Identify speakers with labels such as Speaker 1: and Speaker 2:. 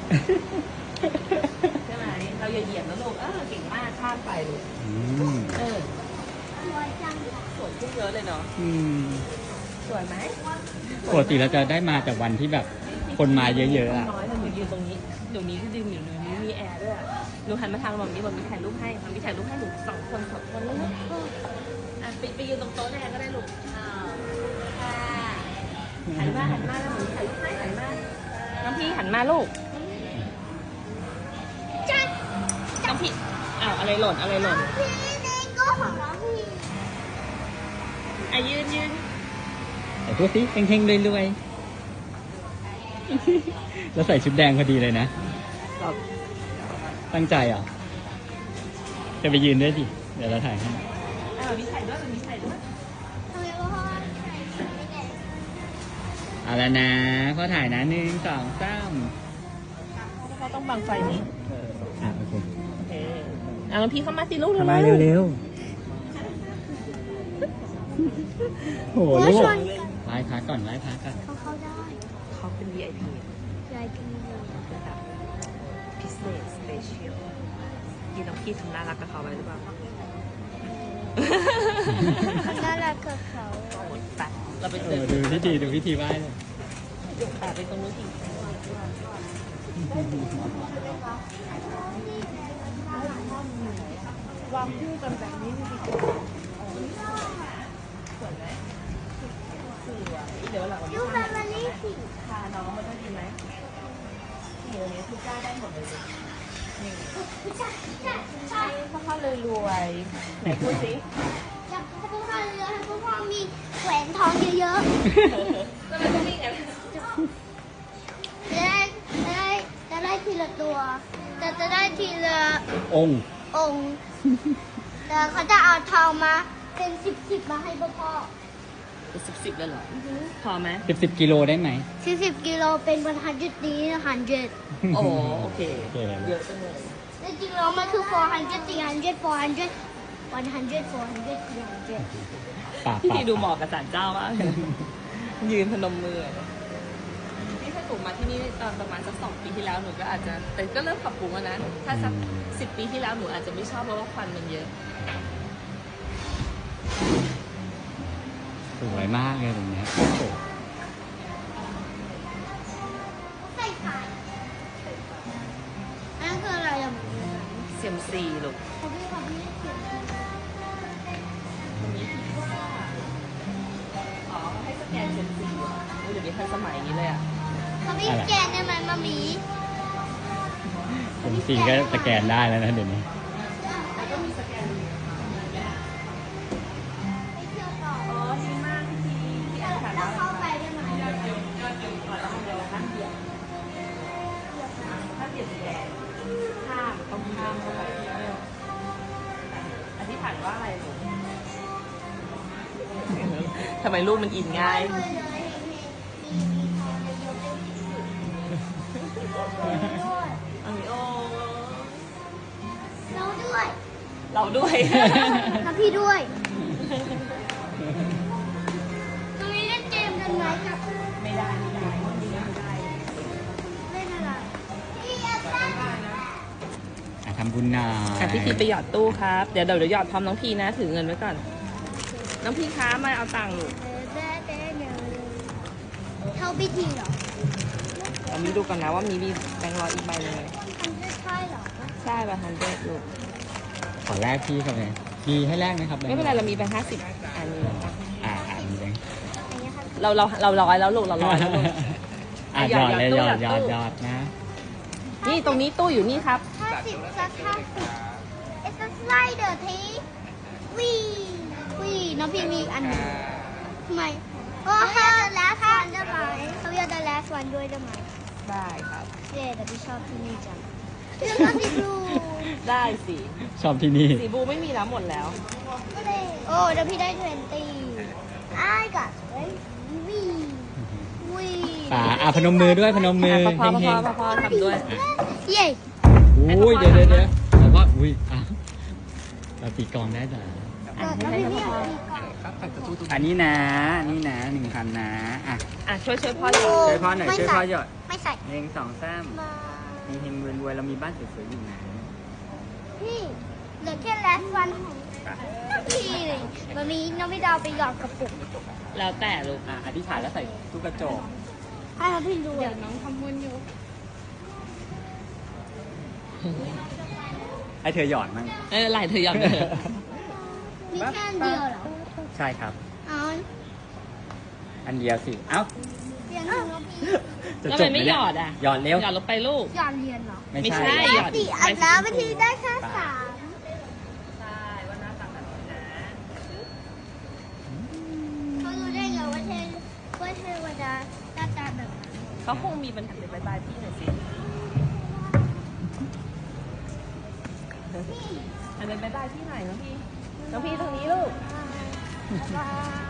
Speaker 1: ใช่ไหมเราอย่าเหยียบนะลูกเก่งมากข้ามไปลูก
Speaker 2: สวยจัง
Speaker 1: สวยขึ้นเยอะเลยเนาะสวยไหม
Speaker 3: ปกติเราจะได้มาแต่วันที่แบบคนมาเยอะๆอ่ะ
Speaker 1: น้อยหนูยืนตรงนี้เดี๋ยวนี้ก็ดึงอยู่นี้มีแอร์ด้วยหนูหันมาทางแบบนี้แบบมีถ่ายรูปให้มันมีถ่ายรูปให้หนูสองคนแล้วนะไปยืนตรงโต๊ะแรกก็ได้ลูกหันมาแล้วหนูถ่ายรูปให้หันมาน้องพี่หันมาลูกน้องพี่อะไรหล่น
Speaker 2: พี่เลโก้ของน้องพี่
Speaker 1: ยืน
Speaker 3: แต่พูดสิเฮงๆรวยๆแล้วใส่ชุดแดงพอดีเลยนะตั้งใจเหรอจะไปยืนด้วยดิเดี๋ยวเราถ่ายให้
Speaker 1: มีถ่ายด้วยมีถ่ายด้วย
Speaker 2: ทำไมพ่อถ่ายไม่ได้
Speaker 3: เอาละนะพ่อถ่ายนะ1 2 3
Speaker 1: เขาต้องบังไฟนี้
Speaker 3: โอเค
Speaker 1: น้องพี่เข้ามาสิลูก
Speaker 3: มาเร็วโหลูกไล่พักก่อน
Speaker 2: เขาเข้าได้
Speaker 1: เขาเป็น VIP ระดับพิเศษ สเปเชียลที่น้องพี่ทำน่ารักกับเขาไว้หรือเปล่า
Speaker 2: น่ารักกับเขา
Speaker 1: ไปเราไป
Speaker 3: ดูพิธีไหว้เลย
Speaker 1: ไปตรงนู้นอีกวางคู่กันแบบนี้ดีกว่าสวยไหมสวยเดี๋ยวหลังวันนี้พาน้องมาด้วยดีไหมเดี๋ยวนี้ทุกจ้าได้หมดเลยนี่พ่อเลยรวยไหนพูดสิ
Speaker 2: อยากให้พ่อเรือให้พ่อมีแหวนทองเยอะ
Speaker 1: ๆแล้วมันจะมีไง
Speaker 2: จะได้ทีละตัวแต่จะได้ทีละ
Speaker 3: องค์
Speaker 2: แต่เขาจะเอาทองมาเป็น10มาให้พ่อ
Speaker 1: เป็น10เลยเหรอพอไหม
Speaker 3: 10กิโลได้ไหม
Speaker 2: 10กิโลเป็น100ดี100
Speaker 1: โอ้โอเคเยอะจังเลย
Speaker 2: จริงๆแล้วมันคือ400
Speaker 1: พี่ดูเหมาะกับศาลเจ้ามากยืนพนมมือนี่ถ้าถูกมาที่นี่ตอนประมาณสัก2 ปีที่แล้วหนูก็อาจจะแต่ก็เริ่มปรับปรุงแล้วนะถ้าสัก10 ปีที่แล้วหนูอาจจะไม่ชอบเพราะว่าควันมันเยอะ
Speaker 3: สวยมากเลยตรงนี้
Speaker 2: ใส่ไข่นั่นคืออะไรอ่ะ
Speaker 1: เซียมซีลูกให้สแกนเซียมซีเดี๋ยวนี้ทันสมัยนี้เลยอ่ะ
Speaker 2: เขาไม่สแกนได้ไหมมามี
Speaker 3: เซียมซีก็สแกนได้แล้วนะเดี๋ยวนี้
Speaker 1: ก็มีสแกนดีมากที่อ่าน
Speaker 2: เข้าไปได้ไหม
Speaker 1: ถ้าเปลี่ยนแดงต้องข้ามเข้าไปอธิษฐานว่าอะไรลูกทำไมรูปมันอินง่ายเราด้วย
Speaker 2: แล้วพี่ด้วยตรงนี้เล่นเกมกันไหมกับ
Speaker 1: ไม่ได้
Speaker 2: เล่นอะไร
Speaker 3: ทำบุญหน่อย
Speaker 1: พี่ทีไปหยอดตู้ครับเดี๋ยวหยอดพร้อมน้องพีนะถือเงินไว้ก่อนน้องพีค้ามาเอาตังค์ลูก
Speaker 2: เข้าพิธีเหรอ
Speaker 1: เรามีดูกันนะว่ามีแบงค์100อีกใบเลย
Speaker 2: ใช่เหรอ
Speaker 1: ใช่ป่ะ100ลูก
Speaker 3: ขอแลกพี่ครับเลยมีให้แลกไหมครับ
Speaker 1: ไม่เป็นไรเรามีแบงค์50อันนี้
Speaker 3: มีแบงค์
Speaker 1: เราร้อยแล้วลูกเราร้อยแล้วลูก
Speaker 3: หยอดเลยหยอดนะ
Speaker 1: นี่ตรงนี้ตู้อยู่นี่ครับ
Speaker 2: 50สัก50 It's a slider ทีวีน้องพี่มีอันนึงทำไมเขาอยาก the last one ได้ไหมเขาอยาก the last one ด้วยได้ไหม
Speaker 1: ได้ครับ
Speaker 2: แต่พี่ชอบที่นี่จังพี่ชอบสีบลู
Speaker 1: ได้สิ
Speaker 3: ชอบที่นี่
Speaker 1: สีบลูไม่มีแล้วหมดแล้ว
Speaker 2: โอ้เดี๋ยวพี่ได้20 I got
Speaker 3: วีพนมมือด้วยพนมมือ
Speaker 1: พ่อทำด้วย
Speaker 2: เย้
Speaker 3: อุ้ยเดี๋ยวพ่ออุ้ยเราตีกองได้จ้ะอันนี้นะ1,000นะช่วย
Speaker 1: พ่อหยอด
Speaker 3: ช่วยพ่อหน่อยช่วยพ่อหยอด
Speaker 2: ไม่ใส่
Speaker 3: 1 2 3
Speaker 4: เฮงๆรวยๆเรามีบ้านสวยๆอยู่นะ
Speaker 2: พี่เหลือแค่ last one ของพี่เลยมันมีน้องพี่ดาวไปหยอดกระปุก
Speaker 1: แล้วแต่ลูก
Speaker 4: อธิษฐานแล้วใส่ลูกกระจก
Speaker 2: ให้น้องพี่ดู
Speaker 1: เดี๋ยวน้องทำบุญอยู่
Speaker 4: ให้เธอหยอดมั่ง
Speaker 1: ไหลเธอยอมเถอะ
Speaker 2: มีแค่อันเดียวเหรอ
Speaker 4: ใช่ครับ
Speaker 2: เอา
Speaker 4: อันเดียวสิ เอ้า
Speaker 2: เรียนหนึ่งแล้วพี่
Speaker 4: จะ
Speaker 1: แล้ว
Speaker 4: จ
Speaker 1: มั
Speaker 4: บ
Speaker 1: น
Speaker 4: ไหม
Speaker 1: ไม่ห
Speaker 4: เนี่ย
Speaker 1: ยอดอ่ะ
Speaker 4: หยอดเร็ว
Speaker 1: หยอดลงไปลูก
Speaker 2: ยอมเรียนเหรอ
Speaker 4: ไม่
Speaker 1: ไม่
Speaker 4: ใช่
Speaker 1: ใช่
Speaker 2: ปกติอัดน้ำวิธีได้แค่3
Speaker 1: ใช่ว่าหน้าตาแบบนี้นะ
Speaker 2: เขารู้ได้ไงว่าเทวดาหน้าตาแบบนั้น
Speaker 1: เขาคงมีปัญหาเดี๋ยวบายพี่หน่อยสิอันเป็นบายพี่หน่อยน้องพี่ตรงนี้ลูก
Speaker 2: บ๊ายบาย